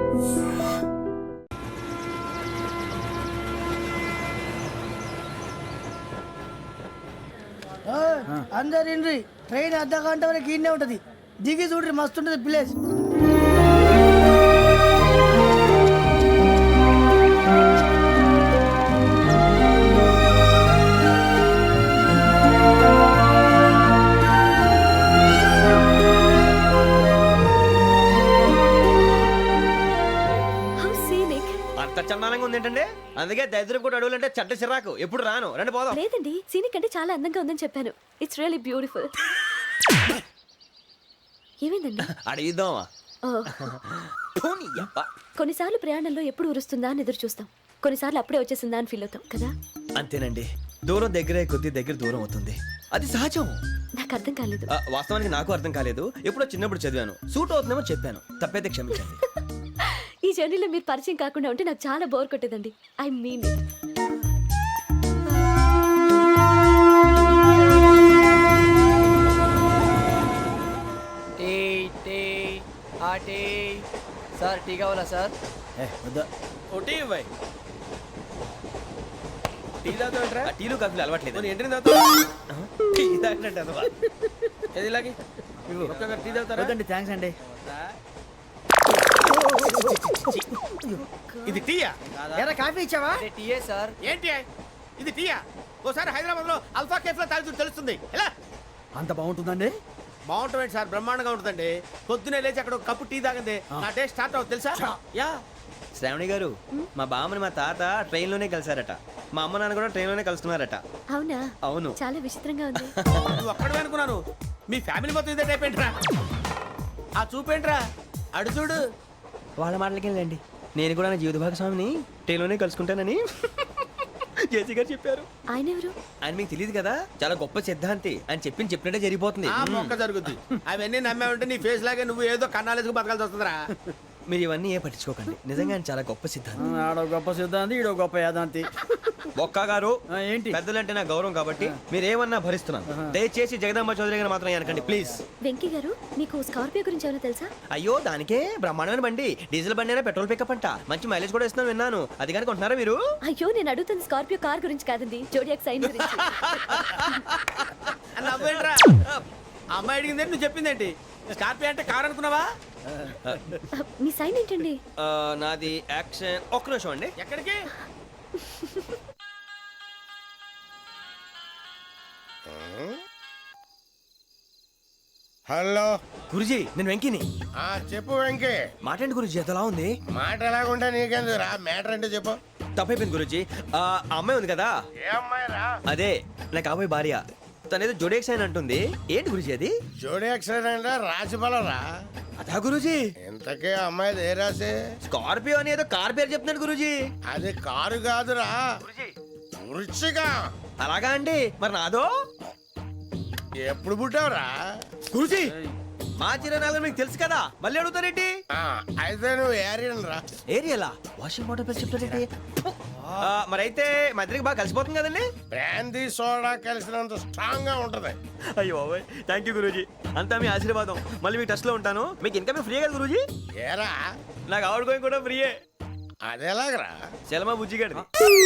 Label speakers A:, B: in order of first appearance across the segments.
A: అందరు ఇండ్రి ట్రైన్ అర్ధ గంట వరకు ఇన్నే ఉంటది. దిగి చూడ్రి మస్తు ఉంటది ప్లేస్.
B: చందానంగా ఉంది ఏంటంటే, అందుకే దరిద్రం కూడా అడవులంటే చెడ్డ చిరాకు. ఎప్పుడు రాను, రండి పోదాం.
C: లేదండి, సీనిక్ అంటే చాలా అందంగా ఉందని చెప్పాను. It's really beautiful. ఏమైందండి?
B: అడిగిద్దామా?
C: కొన్నిసార్లు ప్రయాణంలో ఎప్పుడు ఉరుస్తుందా అని ఎదురు చూస్తాం, కొన్నిసార్లు అప్పుడే వచ్చేసిందా అని ఫీల్ అవుతాం కదా.
B: అంతేనండి, దూరం దగ్గరే కొద్ది దగ్గర దూరం అవుతుంది, అది సహజం.
C: నాకు అర్థం కాలేదు.
B: వాస్తవానికి నాకు అర్థం కాలేదు. ఎప్పుడో చిన్నప్పుడు చదివాను, సూట్ అవుతుందేమో చెప్పాను, తప్పైతే క్షమించండి.
C: ఈ జర్నీలో మీరు పరిచయం కాకుండా ఉంటే నాకు చాలా బోర్ కొట్టేదండి. I mean it.
D: Sir tea కావాలా సార్?
B: టీ ఇవ్వాయి. టీ తాగుతాంట్రా? టీలు కాఫీలు అలవాట్లేదు. ఎంట్రీ టీ తాగినట్టు ఏది ఇలాగే టీ తాగుతారా?
A: థ్యాంక్స్ అండి.
E: ఇది టీయా?
A: ఎరా కాఫీ ఇచ్చావా?
D: టీయే సార్.
E: ఏంటి ఇది టీయా? ఓసారి హైదరాబాద్ లో అల్ఫా కేఫ్ లో తాగుతూ తెలుస్తుంది. ఎలా
A: అంత బాగుంటుందండి?
E: బాగుంటుంది సార్, బ్రహ్మాండంగా ఉంటుందండి. పొద్దునే లేచి అక్కడ ఒక కప్పు టీ తాగండి, నా డే స్టార్ట్ అవుతుంది తెలుసా? యా.
B: శ్రావణి గారు, మా బామ్మని మా తాత ట్రైన్ లోనే కలిసారట, మా అమ్మ నాన్న కూడా ట్రైన్ లోనే కలుస్తున్నారట.
C: అవునా?
B: అవును.
C: చాలా విచిత్రంగా ఉంది.
E: నువ్వు ఒక్కడే అనుకున్నాను, మీ ఫ్యామిలీ మొత్తం ఇదే టైప్ ఏంట్రా? ఆ చూపేంట్రా, అడు చూడు.
B: వాళ్ళ మాటలకి వెళ్ళండి, నేను కూడా నా జీవిత భాగస్వామిని ట్రైన్ లోనే కలుసుకుంటానని జేసీ గారు చెప్పారు.
C: ఆయన ఎవరు?
B: ఆయన మీకు తెలియదు కదా, చాలా గొప్ప సిద్ధాంతి అని చెప్పినట్టే జరిగిపోతుంది.
E: ఆ మొక్క జరుగుద్ది. అవన్నీ నమ్మే ఉంటే నీ ఫేస్ లాగే నువ్వు ఏదో కన్నాలేసుకు బతకాల్సి వస్తుందిరా.
B: మీరు ఇవన్నీ ఏ పట్టించుకోకండి, నిజంగా ఆయన చాలా గొప్ప సిద్ధాంతి.
A: ఆడో గొప్ప సిద్ధాంతి, ఈడో గొప్ప యాదాంతి.
B: ఒక్క గారు
A: ఏంటి?
B: పెద్దలంటే నా గౌరవం కాబట్టి మీరు ఏమన్నా భరిస్తున్నాను. దయచేసి జగదాంబ చౌదరి గారు మాత్రం అనకండి ప్లీజ్.
C: వెంకీ గారు, మీకు స్కార్పియో గురించి ఏమైనా తెలుసా?
B: అయ్యో, దానికే బ్రహ్మాండమైన బండి, డీజిల్ బండి అయినా పెట్రోల్ పికప్ అంట, మంచి మైలేజ్ కూడా ఇస్తున్నాను విన్నాను. అది కానీ కొంటున్నారా మీరు?
C: అయ్యో, నేను అడుగుతుంది స్కార్పియో కార్ గురించి కాదండి, జోడియాక్ సైన్ గురించి.
E: నవ్వేంట్రా? అమ్మాయి అడిగింది నువ్వు చెప్పిందేంటి? స్కార్పియో అంటే కార్ అనుకున్నావా?
C: మీ సైన్ ఏంటండి?
B: నాది యాక్షన్. ఒక్క నిమిషం అండి.
E: ఎక్కడికి?
F: హలో
B: గురుజీ, నేను వెంకిని.
F: చెప్పు వెంకీ.
B: మాట్లాడండి గురుజీ, ఎంతలా ఉంది?
F: మాట ఎలాగుంటా నీకెందుకు రా, మ్యాటర్ అంటే చెప్పు.
B: తప్పైపోయింది గురుజీ. ఆ అమ్మాయి ఉంది కదా,
F: ఏ అమ్మాయి రా?
B: అదే నా కాబోయే భార్య. తనేదో జోడేక్ సైన్ అంటుంది. ఏంటి గురుజీ అది?
F: జోడి యాక్సిడెంట్ రాసి రా.
B: అదా గురుజీ?
F: ఇంతకే అమ్మాయి ఏ రాసి?
B: స్కార్పియో అని ఏదో కార్ పేరు చెప్తున్నాడు గురుజీ.
F: అది కారు కాదురా, వృచ్చిక.
B: అలాగా అండి, మరి నాదో?
F: ఎప్పుడు పుట్టావురా?
B: గురుజీ, మా చిరనాలు మీకు తెలుసు కదా, మళ్ళీ అడుగుతారేంటి?
F: అయితే నువ్వు ఏరియన్ రా.
B: ఏరియలా? వాషింగ్ వాటర్ పేరు చెప్తారేంటి? మరైతే మా ఇద్దరికి బాగా కలిసిపోతుంది కదండి.
F: బ్రాందీ సోడా కలిసినంత స్ట్రాంగ్ గా ఉంటది.
B: అయ్యో థ్యాంక్ యూ గురూజీ, అంతా మీ ఆశీర్వాదం. మళ్ళీ మీకు టచ్ లో ఉంటాను. మీకు ఇన్కమ్ ఫ్రీ కదా గురూజీ?
F: ఏరా,
B: నాకు అవుట్ గోయింగ్ కూడా ఫ్రీయే.
F: అదేలాగరా?
B: చలమా బుజ్జి గారిది.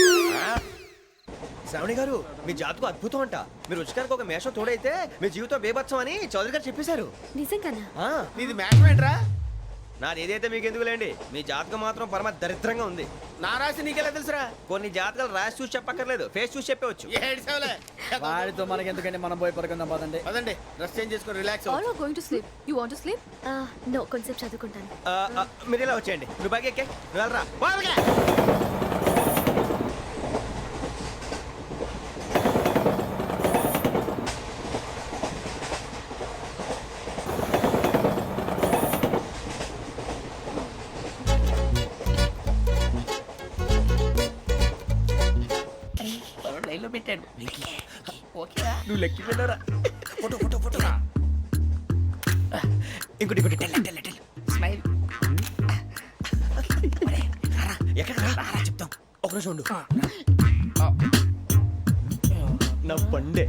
B: శ్రావణి గారు, మీ జాతకు అద్భుతం అంట. మీరు రుచికారికి ఒక మేషం తోడైతే మీ జీవితం బేబత్సం అని చౌదరి గారు చెప్పేశారు.
C: నిజంగానా?
E: నీది మ్యాటర్ ఏంట్రా?
B: నాది ఏదైతే మీకు ఎందుకు లేండి, మీ జాతకం మాత్రం పరమ దరిద్రంగా ఉంది.
E: నా రాసి నీకెలా తెలుసురా?
B: కొన్ని జాతకాలు రాసి చూసి చెప్పక్కర్లేదు, ఫేస్ చూసి చెప్పవచ్చు.
A: వాడితో మనకి ఎందుకంటే మనం పోయి పడుకుందాం పదండి.
E: పదండి, డ్రెస్ చేంజ్ చేసుకొని relax.
G: All are going to sleep. You want to sleep?
C: No, కొంచెం చదువుకుంటాను.
B: మీరు ఇలా వచ్చేయండి. నువ్వు బాగా ఎక్కే, నువ్వు వెళ్ళరా.
D: పెట్టాడు.
B: నువ్వు లెక్కి వెళ్ళరా. Photo photo photo. ఇంకోటి ఇంకోటి.
D: స్మైల్.
B: ఎక్కడ రా చెప్తాం. ఒక నిమిషం ఉండు. నా పండే.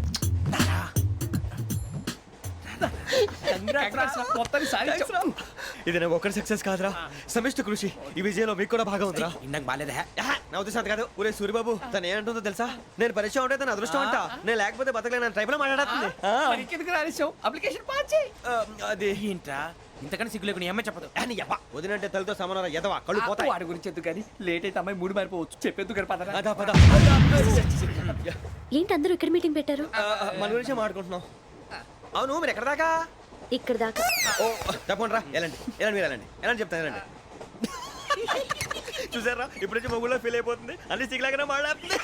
B: ఇది నేను ఒక్కరి సక్సెస్ కాదురా, సమిష్టి కృషి. ఈ విజయంలో మీకు కూడా భాగం ఉందిరా.
E: ఇందాక బాగాలేదా?
B: నా ఉద్దేశం అంత కాదు. ఊరే సూరిబాబు తను ఏమంటుందో తెలుసా? నేను పరిచయం ఉంటే తన అదృష్టం అంట, నేను లేకపోతే బతకలేను ట్రైబ్ లో మాట్లాడుతుంది.
D: ఎందుకు రాలేసావు? అప్లికేషన్ పాస్ చేయి.
B: అది
E: ఏంట్రా ఇంతకన్నా సిగ్గు లేకుండా ఏమై చెప్పదు.
B: వదినంటే తలతో సమానం ఎదవా, కళ్ళు పోతాయి.
D: వాడి గురించి ఎందుకు కానీ లేట్ అయితే అమ్మాయి మూడు మారిపోవచ్చు. చెప్పేందుకు గారు పదరా.
B: అదా పద.
C: ఏంటి అందరూ ఇక్కడ మీటింగ్ పెట్టారు?
B: మన గురించే మాట్లాడుకుంటున్నాం. అవును మీరు ఎక్కడ దాకా?
C: ఇక్కడ దాకా.
B: ఓ తప్పకుండా రా, వెళ్ళండి వెళ్ళండి, మీరు వెళ్ళండి వెళ్ళండి చెప్తాను, వెళ్ళండి. చూసారా ఇప్పుడు నుంచి మొగుల్లో ఫీల్ అయిపోతుంది, అన్ని సిగ్లాగానే మాట్లాడుతుంది.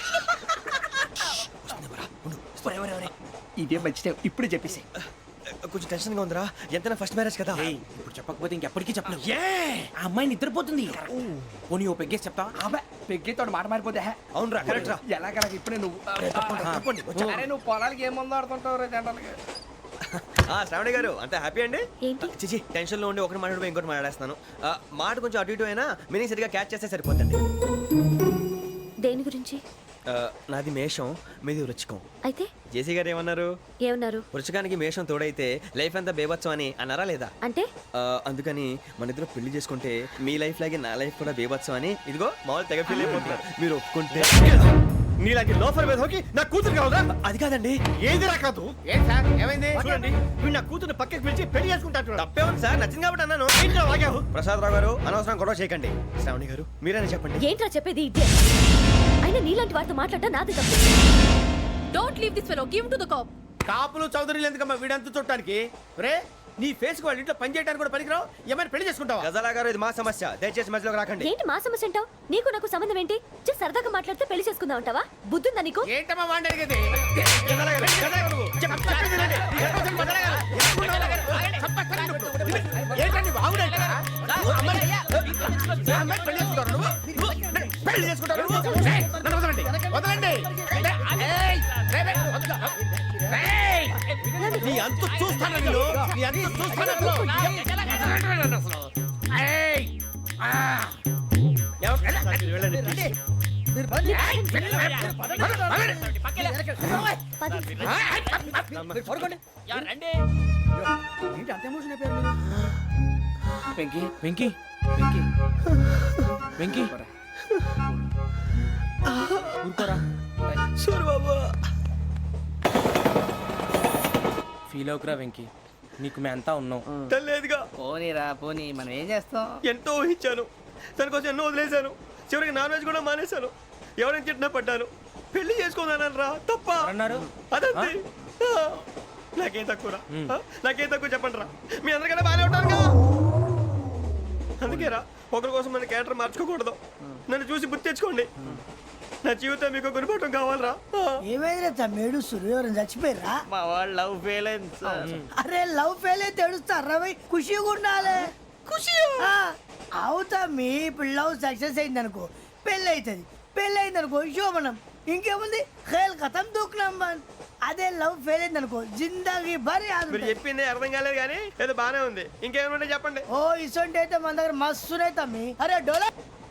D: ఇదే మంచి టైం, ఇప్పుడు చెప్పేసి.
B: కొంచెం టెన్షన్ గా ఉందిరా, ఎంతైనా ఫస్ట్ మ్యారేజ్ కదా.
E: ఇప్పుడు చెప్పకపోతే ఇంకెప్పటికీ చెప్పను. ఆ అమ్మాయి నిద్రపోతుంది. పోనీ ఓ పెగ్గేసి చెప్తా.
D: అబ్బా పెగ్గేతో మాట మారిపోతే.
B: అవునురా కరెక్ట్ రా.
D: ఎలాగలా ఇప్పుడే నువ్వు
E: తప్పండి.
D: అరే నువ్వు పొలాలకి ఏం ముందు ఆడుతుంటావు రే జనరల్గా.
B: శ్రావణి గారు అంతే హ్యాపీ అండి?
C: ఏంటి?
B: చిచి టెన్షన్ లో ఉండి ఒకటి మాట్లాడిపోయి ఇంకోటి మాట్లాడేస్తాను. మాట కొంచెం అటు ఇటు అయినా మీనింగ్ సరిగా క్యాచ్ చేస్తే సరిపోతుంది.
C: దేని గురించి?
B: నాది మేషం, మీది వృచ్చికం.
C: అయితే
B: జేసీ గారు ఏమన్నారు?
C: ఏమన్నారు?
B: వృచ్చికానికి మేషం తోడైతే లైఫ్ అంతా బేబత్సం అని అన్నారా లేదా?
C: అంటే
B: అందుకని మన ఇద్దరు పెళ్లి చేసుకుంటే మీ లైఫ్ లాగే నా లైఫ్ కూడా బేబత్సం అని ఇదిగో మామూలు తెగ ఫీల్ అయిపోతున్నారు. మీరు ఒప్పుకుంటే నీలాంటి లోఫర్ మీద హోకి నా కూతురు కావదా? అది కాదండి.
F: ఏది రాకదు? ఏం సార్ ఏమైంది?
B: చూడండి వీడు నా కూతురు పక్కకి పిలిచి పెళ్లి చేసుకుంటాడు. తప్పే ఉంది సార్, నచ్చింది కాబట్టి అన్నాను. ప్రసాద్ రావు గారు అనవసరం గొడవ చేయకండి. శ్రావణి గారు మీరైనా చెప్పండి.
C: ఏంట్రా చెప్పేది? ఇదే అయినా నీలాంటి వారితో మాట్లాడటం నాది తప్పు.
G: Don't leave this fellow. Give him to the cop.
E: కాపులు చౌదరులు ఎందుకమ్మా వీడంతా చుట్టానికి? రే నీ ఫేస్ కు వాళ్ళ ఇంట్లో పని చేయడానికి కూడా పనికిరావు. ఏమైనా పెళ్లి చేసుకుంటావా?
B: గజాలా గారు ఇది మా సమస్య, దయచేసి మధ్యలోకి రాకండి.
C: ఏంటి మా సమస్య అంటావు? నీకు నాకు సంబంధం ఏంటి? జస్ట్ సరదాగా మాట్లాడితే పెళ్లి చేసుకుందాం అంటావా? బుద్ధుందా నీకు?
E: ఏంటమ్మా వాడిని అడిగేది? ఏంటండి బాగుండేట? పెళ్లి చేసుకుంటారు నువ్వు? నన్ను వదలండి, వదలండి. నీ అంత చూస్తాను నేను, నీ అంత చూస్తాను అసలు. వెంకీ వెంకీ వెంకీ వెంకీ ఊరుకోరా.
B: సూరిబాబు
E: ఫీల్ అవుకురా వెంకీ, నీకు మేమంతా ఉన్నాం.
B: తెలియదుగా.
D: పోనీరా పోనీ, మనం ఏం చేస్తాం?
B: ఎంతో ఊహించాను, తన కోసం ఎన్నో వదిలేశాను, చివరికి నాన్ వెజ్ కూడా మానేశాను. ఎవరైనా తిట్టినా పడ్డాను. పెళ్లి చేసుకున్నాను రా, తప్ప
E: అన్నారు.
B: అదంతే. నాకేం తక్కువ రా, నాకేం తక్కువ చెప్పండి రా. మీ అందరికన్నా బాగానే ఉంటారుగా. అందుకే రా, ఒకరి కోసం మన క్యారెక్టర్ మార్చుకోకూడదు. నన్ను చూసి గుర్తు తెచ్చుకోండి. నా జీవితం మీకు గురిపటం కావాలరా.
A: ఏమైందిరా తమ్మేడు సూర్యవరం చచ్చిపోయిరా?
D: మా వాళ్ళు లవ్ ఫెయిల్ అయింది సార్.
A: అరే లవ్ ఫెయిల్ అయితే ఏడుస్తారా భయ్? ఖుషిగా ఉండాలి. ఖుషి అవుతా. మీ ఇప్పుడు లవ్ సక్సెస్ అయింది అనుకో పెళ్ళి అవుతుంది, పెళ్ళి అయింది అనుకో శోభనం. ఇంకేముంది ఖేల్ కథం దూకునాం బాన్. అదే లవ్ ఫెయిల్ అయింది అనుకో జిందాగీ భారీ.
B: మీరు చెప్పింది అర్థం కాలేదు కానీ ఏదో బానే ఉంది. ఇంకేమైనా చెప్పండి.
A: ఓ ఇసొంటి అయితే మన దగ్గర మస్తునే తమ్మి. అరే డోలా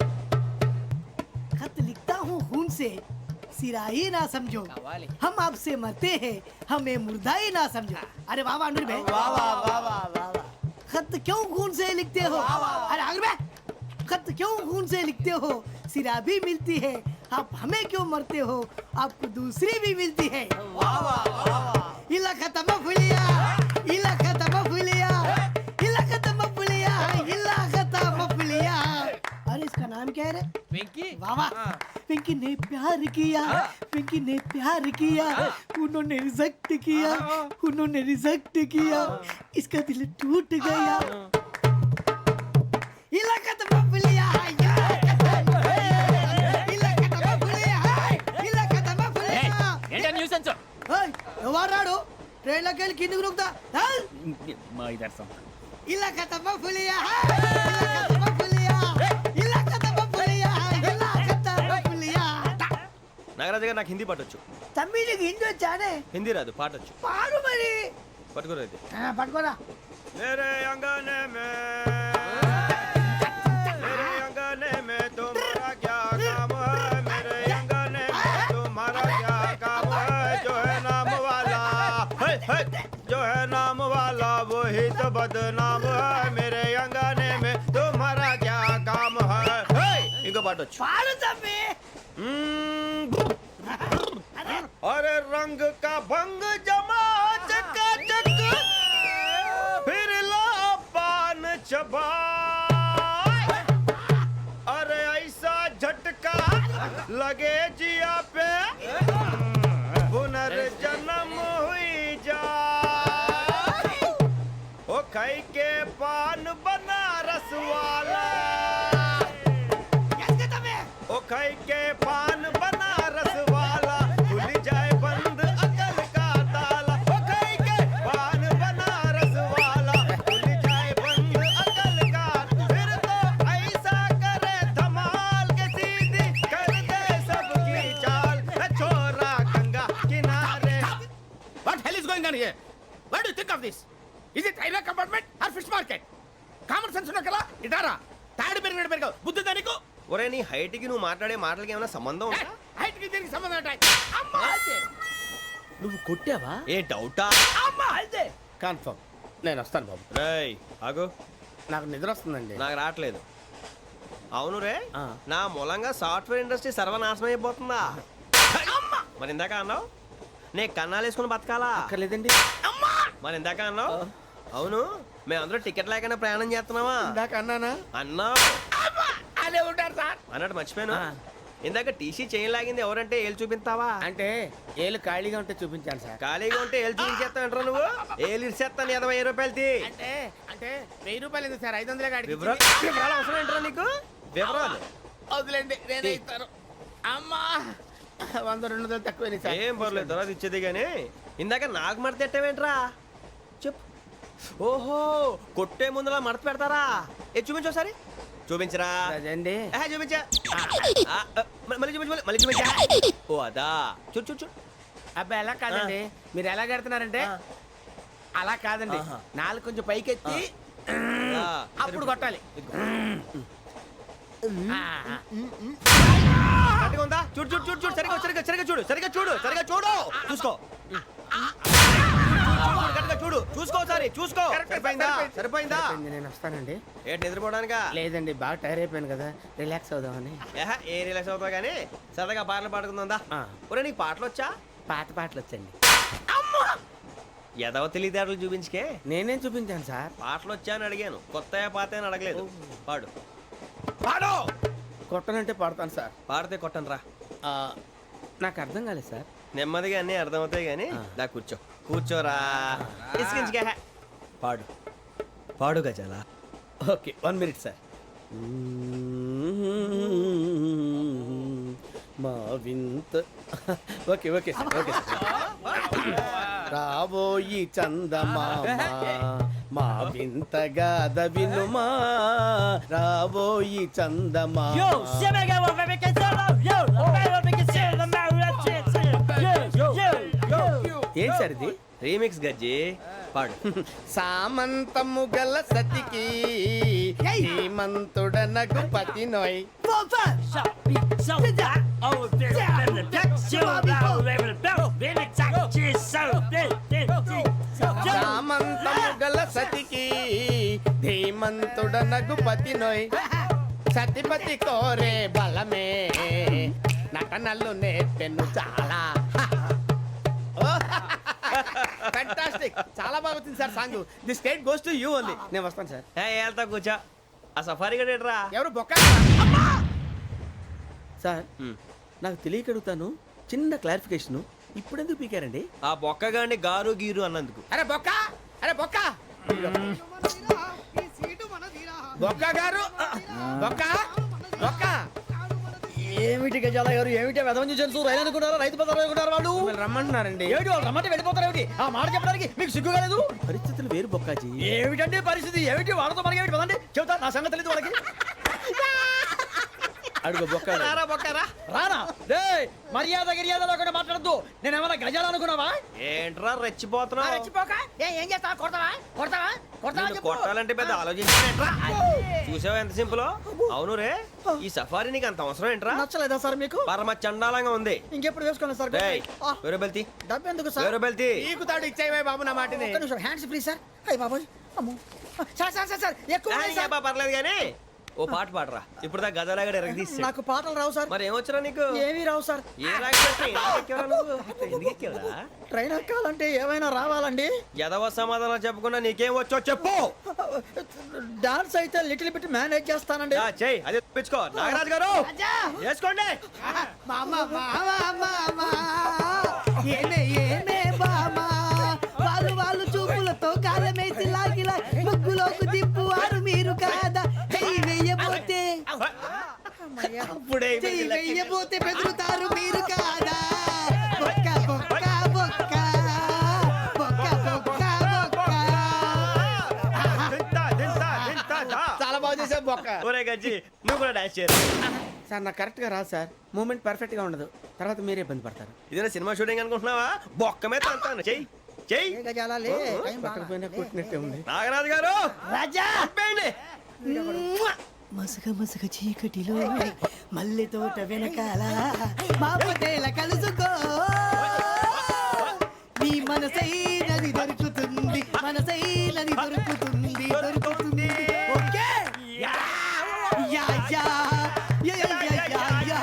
A: खत लिखता हूँ खून से सिरा ही ना समझो, हम आपसे मरते हैं हमें मुर्दा ही ना समझो. अरे वाह वाह अनुर भाई, वाह वाह वाह वाह वाह. खत क्यों खून से लिखते हो? अरे अनुर भाई खत क्यों खून से लिखते हो? सिरा भी मिलती है, आप हमें क्यों मरते हो? आपको दूसरी भी मिलती है. वाह वाह वाह. इला खत्म फुलिया, इला खत्म फुलिया, इला खत्म फुलिया, इला खत्म फुलिया. अरे इसका नाम क्या है रे?
E: వెంకీ
A: वाह वाह. पिंकी ने प्यार किया, पिंकी ने प्यार किया, उन्होंने रिजेक्ट किया, उन्होंने रिजेक्ट किया, इसका दिल टूट गया. इलाका तो बबलिया ఎవరాడు ట్రైన్లోకి వెళ్ళి కిందికి నొక్కుతా.
D: మా ఇదర్శం
A: ఇలాకా తప్ప పులియా, ఇలాకా తప్ప పులియా, ఇలాకా తప్ప పులియా, ఇలాకా తప్ప పులియా.
B: నాగరాజు గారు నాకు హిందీ పాటొచ్చు.
A: తమ్మి నీకు హిందీ వచ్చానే?
B: హిందీ రాదు, పాటొచ్చు.
A: పాడు మరి.
B: పట్టుకోరు అయితే.
A: పట్టుకోరా.
B: मेरे अंगने में तुम्हारा क्या काम है? मेरे अंगने में तुम्हारा क्या काम है? जो है नाम वाला जो है नाम वाला वही तो बदनाम है. मेरे अंगने నీతో పాటు వచ్చు
A: పాడు తమ్మి.
B: अरे रंग का भंग जमा चकाचक फिर ला पान चबा अरे ऐसा झटका लगे जिया पे पुनर्जन्म हुई जा ओ खाई के पान बनारस वाला ओ खाई के पान बनारस वाला खुल जाए बंद अकल का ताला ओ खाई के पान बनारस वाला खुल जाए बंद अकल का फिर तो ऐसा करे धमाल के सीधी कर दे सबकी चाल छोरा गंगा किनारे
F: What hell is going on here? What do you think of this? Is it railway compartment or fish market? Common sense ఉన్నా కదా ఇటారా తాడు పెరిగాడు బుద్ధి దానికి
B: ఒరే నీ హైట్ కి నువ్వు మాట్లాడే మాటలకి ఏమైనా సంబంధం ఉందా
F: హైట్ కి దీనికి సంబంధం ఉంటాయి అమ్మా
E: నువ్వు కొట్టావా?
B: ఏ డౌటా
F: అమ్మా అయితే కన్ఫర్మ్ నేను వస్తాను బాబు.
B: రేయ్ ఆగు
F: నాకు నిద్ర వస్తుందండి.
B: నాకు రావట్లేదు అవును రే
E: ఆ.
B: నా మూలంగా సాఫ్ట్వేర్ ఇండస్ట్రీ సర్వనాశనం అయిపోతుందా మరి ఇందాక అన్నావు నే కన్నాలు వేసుకుని బతకాలా
E: అక్కర్లేదండి.
B: మరి ఇందాక అన్నావు అవును మేమందరూ టికెట్ లేకనే ప్రయాణం చేస్తున్నావా
F: ఇందాక అన్నానా
B: అన్నావు
F: అదే ఉంటారు సార్.
B: అన్నట్టు మర్చిపోయాను
E: ఆ.
B: ఇందాక టీసీ చేయి లాగింది ఎవరంటే ఏళ్ళు చూపిస్తావా
F: అంటే ఏళ్ళు ఖాళీగా ఉంటే చూపించాను సార్.
B: ఖాళీగా ఉంటే ఏళ్ళు చూపించేస్తానంటారా నువ్వు ఏళ్ళు ఇచ్చేస్తాను 20 రూపాయలు తీ
F: అంటే అంటే 1000 రూపాయలు ఎందుకు సార్ 500 కాడికి
B: వివరాలు అవసరం ఏంటరా నీకు వివరాలు
F: వదిలేండి నేనే ఇస్తాను. అమ్మా 100 200 తక్కువ సార్.
B: ఏం పర్లేదు తర్వాత ఇచ్చేది కానీ ఇందాక నాకు మడత ఎట్టవేంట్రా చెప్పు ఓహో కొట్టే ముందులా మడత పెడతారా ఏ చూపించు ఒకసారి చూపించరా
F: అదండి
B: చూపించా మళ్ళీ చూపించు మళ్ళీ చూపించా ఓ అదా చూడు చూడు చూడు
F: అబ్బాయి ఎలా కాదండి మీరు ఎలా కడుతున్నారంటే అలా కాదండి
B: ఆహా.
F: నాలుగు కొంచెం పైకెత్తి
B: ఆ,
F: అప్పుడు కొట్టాలి.
B: ఇదిగో.
F: ఆ, ఆ.
B: కరెక్ట్గా ఉందా చూడు చూడు చూడు చూడు సరిగా సరిగా సరిగా చూడు సరిగా చూడు సరిగా చూడు చూసుకో కరెక్ట్గా చూడు చూసుకో ఒకసారి చూసుకో సరిపోయిందా సరిపోయిందా
F: సరిపోయింది, నేను వస్తానండి.
B: ఏంటి నిద్రపోవడానికా
F: లేదండి బాగా టైర్ అయిపోయాను కదా రిలాక్స్ అవుదామని.
B: ఏ రిలాక్స్ అవుతావు కానీ సరదాగా పాటలు పాడుకుందా
F: ఆ.
B: ఒరే నీకు పాటలు వచ్చా
F: పాత పాటలు వచ్చండి.
B: ఎదవ తెలివితేటలు చూపించుకే
F: నేనేం చూపించాను సార్.
B: పాటలు వచ్చా అని అడిగాను కొత్త పాత అని అడగలేదు పాడు
F: పాడు కొట్టనంటే పాడతాను సార్.
B: పాడితే కొట్టను రా
F: ఆ, నాకు అర్థం కాలేదు సార్.
B: నెమ్మదిగా అన్నీ అర్థమవుతాయి కానీ దా కూర్చో కూర్చోరా ఇసుకించుకే పాడు పాడు గజాల
F: ఓకే 1 మినిట్ సార్. మా వింత okay okay sir okay sir. రాబోయి చందమామ మా వింతగా వినుమా రాబోయి చందమామ. ఏంటి సార్ ఇది?
B: రీమిక్స్ గజ్జి పాడు
F: సామంతము గల సతికి హేమంతుడనగు పతి నోయ్. సామంతము గల సతికి ధీమంతుడనగు పతి నోయ్. సతిపతి కోరే బలమే నటనలు నేర్పెను చాలా. ఫ్యాంటాస్టిక్ చాలా బాగా వచ్చింది sir song. The state goes to you only. నేను వస్తాను సార్.
B: వెళ్తా కూర్చో ఆ సఫారీ గడేట్రా
F: ఎవరు బొక్క సార్ నాకు తెలియక అడుగుతాను చిన్న క్లారిఫికేషన్ ఇప్పుడెందుకు పీకారండి?
B: ఆ బొక్కగాండి గారు గీరు అన్నందుకు
F: అరే బొక్క అరే బొక్క
A: ఈ సీటు మనదిరా.
F: బొక్క గారు బొక్క బొక్క
E: ఏమిటి గజాల గారు ఏమిటి వెదవం చూసారు రైలు అనుకున్నారా రైతు బజార్ అనుకున్నారు వాళ్ళు
F: మిమ్మల్ని రమ్మంటున్నారండి.
E: ఏమిటి వాళ్ళు రమ్మంటే వెళ్ళిపోతారు ఏమిటి ఆ మాట చెప్పడానికి మీకు సిగ్గు కాలేదు?
F: పరిస్థితులు వేరు బొక్కాజీ.
E: ఏమిటండి పరిస్థితి ఏమిటి వాళ్ళతో మనకి ఏమిటి పదండి చెబుతా నా సంగతి తెలియదు వాళ్ళకి
F: అడుగు బొక్క
B: రారా బొక్కరా
E: రానా రే మర్యాద గిర్యాద లేకుండా మాట్లాడద్దు నేను ఏమైనా గజాలు అనుకున్నావా?
B: ఏంట్రా రెచ్చిపోతున్నావు
E: రెచ్చిపోక ఏం చేస్తావా కొడతావా కొడతావా కొడతావా
B: నిన్ను
E: చెప్పు.
B: కొట్టాలంటే పెద్ద ఆలోచించానేంట్రా చూసావా ఎంత సింపుల్ అవును రే ఈ సఫారీ నీకు అంత అవసరం ఏంట్రా
E: నచ్చలేదా సార్ మీకు?
B: పరమ చండాలంగా ఉంది
E: ఇంకెప్పుడు వేసుకోండి సార్
B: డేయ్, వేరే బెల్తి
E: డబ్బు ఎందుకు సార్?
B: వేరే బెల్తి
F: నీకు తాడు ఇచ్చేవే బాబు నా మాటని.
E: ఒక్క నిమిషం హ్యాండ్స్ ఫ్రీ సార్ అయ్యి బాబోయ్ అమ్మో సార్ సార్ సార్ సార్ ఎక్కువ ఉన్నాయి సార్.
B: పర్లేదు కానీ ఓ పాట పాడరా ఇప్పుడు దా గదలాగడ ఎరగదీసి
E: నాకు పాటలు రావు సార్.
B: మరి ఏమొచ్చరా నీకు
E: ఏమీ రావు సార్.
B: ఏ రాకపోతే ఎందుకు ఎక్కేవరా
E: ట్రైన్ ఎక్కాలంటే ఏమైనా రావాలండి.
B: ఎదవ సమాధానం చెప్పకుండా నీకేం వచ్చో చెప్పు.
E: డాన్స్ అయితే లిటిల్ బిట్ మేనేజ్ చేస్తానండి.
B: చెయ్యి అది తెప్పించుకో. నాగరాజు గారు
A: రాజా
B: వేసుకోండి.
A: మామా మామా మామా ఏమే ఏమే బామా వాళ్ళు చూపులతో కాలమేసి లాగిలా ముగ్గులోకి దిప్పువారు మీరు కాదా చెయ్యి వెయ్యబోతే
B: అప్పుడే
A: చెయ్యి వెయ్యబోతే బెదురుతారు మీరు కాదా బొక్క బొక్క బొక్క బొక్క బొక్క బొక్క
B: దింతా, దింతా, దింతా, దా.
E: చాలా బాగా చేసా బొక్క.
B: ఒరే గజ్జి నువ్వు కూడా డాన్స్ చేయరా.
E: సార్ నాకు కరెక్ట్ గా రాదు సార్. మూమెంట్ పర్ఫెక్ట్ గా ఉండదు. తర్వాత మీరే ఇబ్బంది పడతారు.
B: ఇదేనా సినిమా షూటింగ్ అనుకుంటున్నావా? బొక్క మీద అంటాను. చెయ్యి చెయ్యి.
E: కొట్టినట్టే ఉంది.
B: నాగరాజు గారు
A: రాజా
B: చెప్పండి.
A: మసక మసక చీకటిలో మల్లె తోట వెనకాల మా పటేల కలుసుకో నీ మనసైనది దొరుకుతుంది మనసైనది దొరుకుతుంది దొరుకుతుంది okay yeah yeah yeah yeah yeah yeah yeah yeah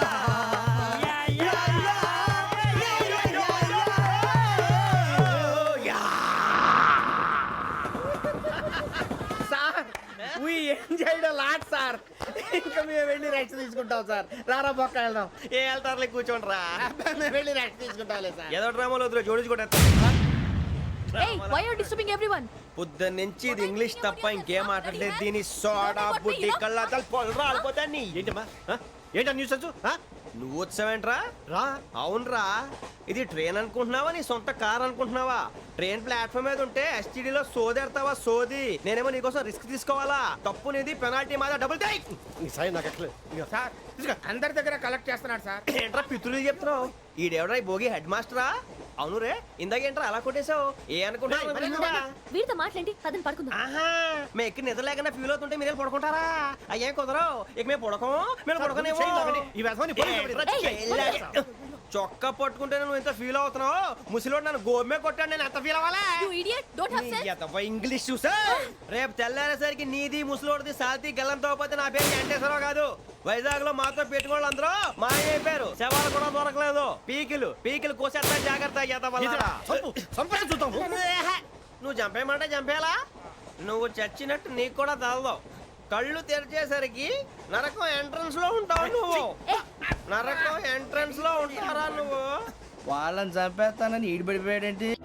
E: sir we enjoyed a lot సార్. ఇంకా మేము వెళ్ళి రెస్ట్ తీసుకుంటాం సార్. రారా బొక్క వెళ్దాం.
B: ఏ వెళ్తారులే కూర్చోండి రా.
E: మేము వెళ్ళి రెస్ట్ తీసుకుంటాంలే సార్.
B: ఏదో డ్రామాలో వద్దు జోడించుకుంటా.
G: Hey, why are you disturbing everyone?
B: పొద్దున్న నుంచి ఇది ఇంగ్లీష్ తప్ప ఇంకేం మాట్లాడలేదు. దీని సోడా బుడ్డి కళ్ళ పొలరా ఆడిపోతా నీ. ఏంటమ్మా ఏంటా న్యూస్ వచ్చు? నువ్వు వచ్చావేంట్రా? రా. అవునరా, ఇది ట్రైన్ అనుకుంటున్నావా నీ సొంత కార్ అనుకుంటున్నావా? ట్రైన్ ప్లాట్ఫామ్ మీద ఉంటే ఎస్టీడీలో సోదేడతావా సోది. నేనేమో నీకోసం రిస్క్ తీసుకోవాలా? తప్పు నీది, పెనాల్టీ మాదా, డబుల్ టై.
F: సార్ ఇదిగో, అందరి దగ్గర కలెక్ట్ చేస్తున్నాడు సార్.
B: ఏంట్రా పితులు చెప్తున్నావు? ఈడెవడ్రా ఈ భోగి హెడ్ మాస్టరా? అవును రే, ఇందాకేంట్రా అలా కొట్టేశావు? ఏ అనుకుంటున్నావు?
C: వీరితో మాట్లాడి అతను పడుకుందాం.
B: ఆహా, మేము ఎక్కడ నిద్ర లేకుండా ఫీల్ అవుతుంటే మీరు పడుకుంటారా? అయ్యేం కుదరవు. ఇక మేము పడకం, మేము పడకనేమో. చొక్కా పట్టుకుంటే నువ్వు ఎంత ఫీల్ అవుతున్నావు? ముసలివాడు నన్ను గోమే కొట్టాడు, నేను ఎంత ఫీల్ అవ్వాలా?
G: You idiot! Don't have sense.
B: English చూసా. రేపు తెల్లారేసరికి నీది ముసలోడిది సాల్తీ గల్లంతో పోతే నా పేరు వెంకటేశ్వరరావు కాదు. వైజాగ్ లో మాతో పెట్టుకోళ్ళు అందరూ మాయైపోయారు. శవాలు కూడా దొరకలేదు. పీకిలు కోసేస్తా జాగ్రత్త. నువ్వు చంపేయమంటే చంపేలా? నువ్వు చచ్చినట్టు నీకు కూడా తగదు. కళ్ళు తెరిచేసరికి నరకం ఎంట్రన్స్ లో ఉంటావు నువ్వు. నరకం ఎంట్రన్స్ లో ఉంటారా నువ్వు?
D: వాళ్ళని చంపేస్తానని ఈడిపడిపోయాడేంటి?